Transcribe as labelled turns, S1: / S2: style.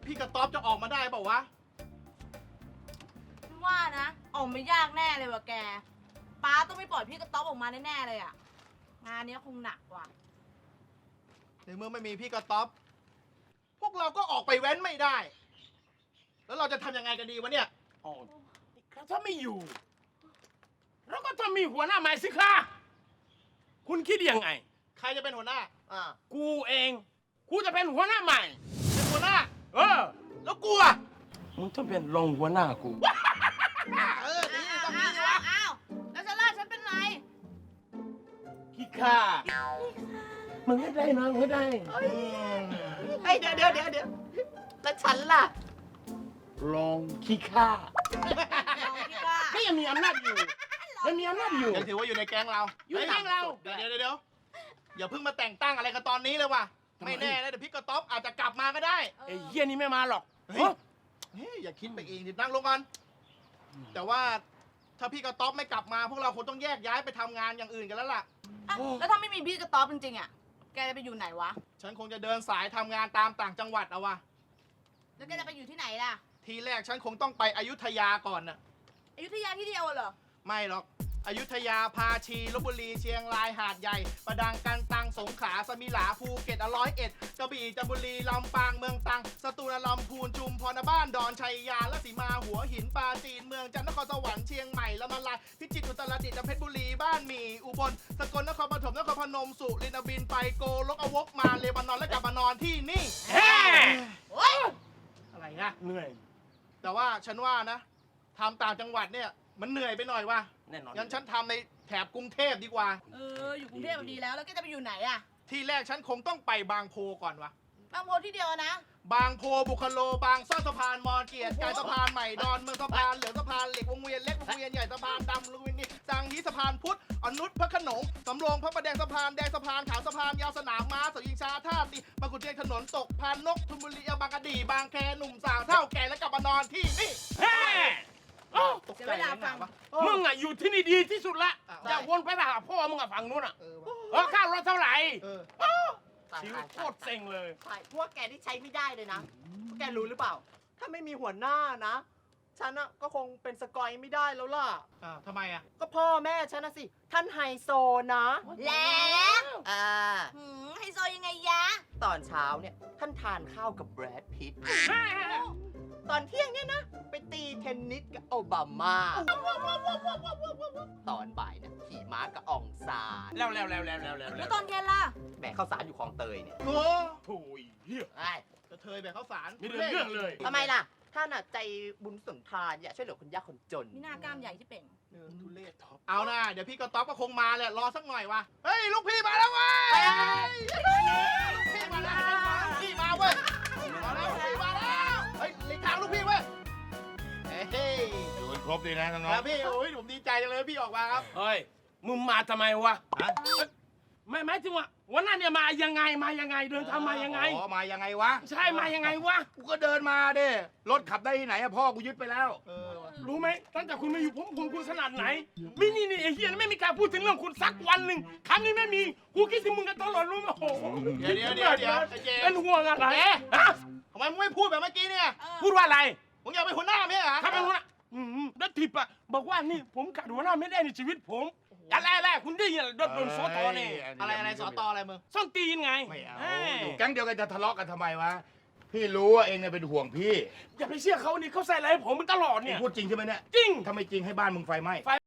S1: พี่กระต๊อบจะออกมาได้เปล่าวะ
S2: ว่านะออกไม่ยากแน่เลยว่ะแกป้าต้องไม่ปล่อยพี่กระต๊อบออกมาแน่ๆเลยอ่ะงานนี้คงหนักกว่า
S1: ในเมื่อไม่มีพี่กระต๊อบพวกเราก็ออกไปแว้นไม่ได้ แล้วเราจะทำยังไงกันดีวะเนี่ย
S3: อ๋อถ้าไม่อยู่เราก็ต้องมีหัวหน้าใหม่สิคะคุณคิดยังไง
S1: ใครจะเป็นหัวหน้า
S3: กูเองกูจะเป็นหัวหน้าใหม่
S1: เป็นหัวหน้า
S3: เออ
S1: แล้วกูอ่ะ
S3: มึงต้องเป็นรองหัวหน้ากู
S1: ดีต้อง
S2: อ้า
S1: มี
S2: ว
S1: วะ
S2: อ้าวแล้วฉันล่ะฉันเป็นไร
S3: ขี้ข้ามึงไม่ได้นะไม่ได้
S4: เฮ้ยเดี๋ยวแล้วฉันล่ะ
S3: รองขี้ข้า
S2: ลองพี่ว่า
S3: ก็ยังมีอำนาจอยู่ยังมีอำนาจอยู่
S1: ยังถือว่าอยู่ในแก๊งเรา
S3: อยู่ในแก๊งเรา
S1: เดี๋ยวอย่าเพิ่งมาแต่งตั้งอะไรกันตอนนี้เลยว่ะ ไม่แน่นะเดี๋ยวพี่กระต๊อบอาจจะกลับมาก็ได้
S3: ไอ้เหี้ยนี่ไม่มาหรอก
S1: เฮ้ย อย่าคิดไปเองดินั่งลงก่อนแต่ว่าถ้าพี่กระต๊อบไม่กลับมา พวกเราคงต้องแยกย้ายไปทำงานอย่างอื่นกันแล้วล่ะ
S2: อ่ะแล้วถ้าไม่มีพี่กระต๊อบจริงๆอ่ะแกจะไปอยู่ไหนวะ
S1: ฉันคงจะเดินสายทำงานตามต่างจังหวัดเอาวะ
S2: แล้วแกจะไปอยู่ที่ไหนล่ะ
S1: ทีแรกฉันคงต้องไปอยุธยาก่อนน่ะ
S2: อยุธยาที่เดียวเหรอ
S1: ไม่หรอกอยุธยาพาชีลพบุรีเชียงรายหาดใหญ่ประดังกันตังสงขลาสมิหลาภูเก็ต101กระบี่จันทบุรีลำปางเมืองตรังสตูลลำพูนชุมพรบ้านดอนชัยยาและสีมาหัวหินปราจีนเมืองจันทร์นครสวรรค์เชียงใหม่ละมาลายพิจิตรอุตรดิตถ์เพชรบุรีบ้านหมี่อุบลสกลนครปฐมนครพนมสุรินทร์บินไปโกลกอวกมาเลบานอนและกลับมานอนที่นี่
S3: แฮ่
S1: อะไรนะ
S3: เหนื่อย
S1: แต่ว่าฉันว่านะทำต่างจังหวัดเนี่ยมันเหนื่อยไปหน่อยว่ะ
S3: แน่นอน
S1: งั้นฉันทำในแถบกรุงเทพดีกว่า
S2: อยู่กรุงเทพดีแล้วแล้วแกจะไปอยู่ไหนอ่ะ
S1: ที่แรกฉันคงต้องไปบางโพก่อนวะ
S2: บางโพที่เดียวนะ
S1: บางโพบุคโลบางซ่อนสะพานมอเกียรติกายสะพานใหม่ดอนเมืองสะพานเหลืองสะพานเหล็กวงเวียนเล็กวงเวียนใหญ่สะพานดำลุงวินนี่สังฮีสะพานพุทธอนุชพระโขนงสำโรงพระประแดงสะพานแดงสะพานขาวสะพานยาวสนามม้าสยิงชาท่าตีบางขุนเทียนถนนตกพานนกทุมบุรีบางกะดีบางแคหนุ่มสาวเท่าแก่และกลับมานอนที่นี่
S3: แฮ่เอ้า
S1: ตก
S2: เสีย
S1: ใจ
S2: เวลาฟัง
S1: วะ
S3: มึงอ่ะอยู่ที่นี่ดีที่สุดละ
S1: อ้าว
S3: อย่าวนไปหาพ่อมึงอ่ะฝั่งนู้นอ่ะ
S1: เออวะ
S3: ค่ารถเท่าไหร่
S1: เออ
S3: ชีวิตโคตรเซ็งเลย
S4: ใช่พวกแกที่ใช้ไม่ได้เลยนะพวกแกรู้หรือเปล่า ถ้าไม่มีหัวหน้านะ ฉันอะก็คงเป็นสกอยไม่ได้แล้วล่ะ
S1: ทำไมอ่ะ
S4: ก็พ่อแม่ฉันนะสิ ท่านไฮโซนะ
S2: แล้ว ไฮโซยังไงยะ
S4: ตอนเช้าเนี่ย ท่านทานข้าวกับแบรดพิตต์ตอนเที่ยงเนี่ยนะ ไปตีเทนนิสกับโอบามา ตอนบ่ายเนี่ยขี่ม้ากับอองซาน
S3: แล้ว
S2: แล้วตอนเย็นล่ะ
S4: แบกข้าวสารอยู่คลองเตยเนี่ย
S1: โอ้
S3: โถุยเหี้ย
S4: ไอ้
S1: กระเทยแบบข้าวสาร
S3: มีเรื่องเลย
S4: ทำไมล่ะ ท่านอะใจบุญสุนทานอยากช่วยเหลือคนยากคนจน
S2: มีหน้ากล้ามใหญ่ที่เป่ง
S1: ทุเรศท็อปเอานะเดี๋ยวพี่กระต๊อบก็คงมาแหละรอสักหน่อยวะเฮ้ยลูกพี่มาแล้วเว้ยลูกพี่มาแล้วลูกพี่มาเว้ยมาแล้วลูกพี่มาแล้วเฮ้ยหลีกทางลูกพี่เว้ยเฮ้ย
S5: อยู่กันครบดีนะน้อง
S1: แล้วพี่โอ้ยผมดีใจจังเลยพี่ออกมาครับ
S3: เฮ้ย มึงมาทำไมวะ
S5: ๆฮะ
S3: ไม่หมายถึงว่าวันนั้นเนี่ยมายังไงเดินทางมายังไง
S5: อ๋อมายังไงวะ
S3: ใช่มายังไงวะ
S5: กูก็เดินมาเด้รถขับได้ที่ไหนอะพ่อกูยึดไปแล้ว
S1: เออว่ะ
S3: รู้ไหมตั้งแต่คุณมาอยู่ผมห่วงคุณขนาดไหนมินี่ไอ้เฮียไม่มีการพูดถึงเรื่องคุณสักวันหนึ่งคำนี้ไม่มีกูคิดถึงมึงกันตลอดรู้ไหมโอ้โห
S1: เดี๋ยวไอ้เจ
S3: เป็นห่วงอะไรฮะ
S1: ทำไมมึงไม่พูดแบบเมื่อกี้เนี่ย
S3: พูดว่าอะไร
S1: มึงอยากเป็นหัวหน้าไหมเหรอ
S3: ถ้าเป็นหัวหน้าแล้วทิปอะบอกว่านี่ผมขาดหัวหน้าไม่ได้ในชีวิตผมอะไรคุณได้ยินโดนโซตอเนี่ย
S1: อะไรสอตออะไรมึง
S3: ส้นตีนไง
S5: ไม่เอา
S3: เอ้ย
S5: อยู่แก๊งเดียวกันจะทะเลาะกันทำไมวะ พี่รู้ว่าเองเนี่ยเป็นห่วงพี่
S3: อย่าไปเชื่อเขานี่เขาใส่อะไรให้ผมมันตลอด
S5: เอ
S3: เนี่
S5: ง
S3: ย
S5: พูดจริงใช่ไหมเนี่ย
S3: จริง
S5: ถ้าไม่จริงให้บ้านมึงไฟไหม้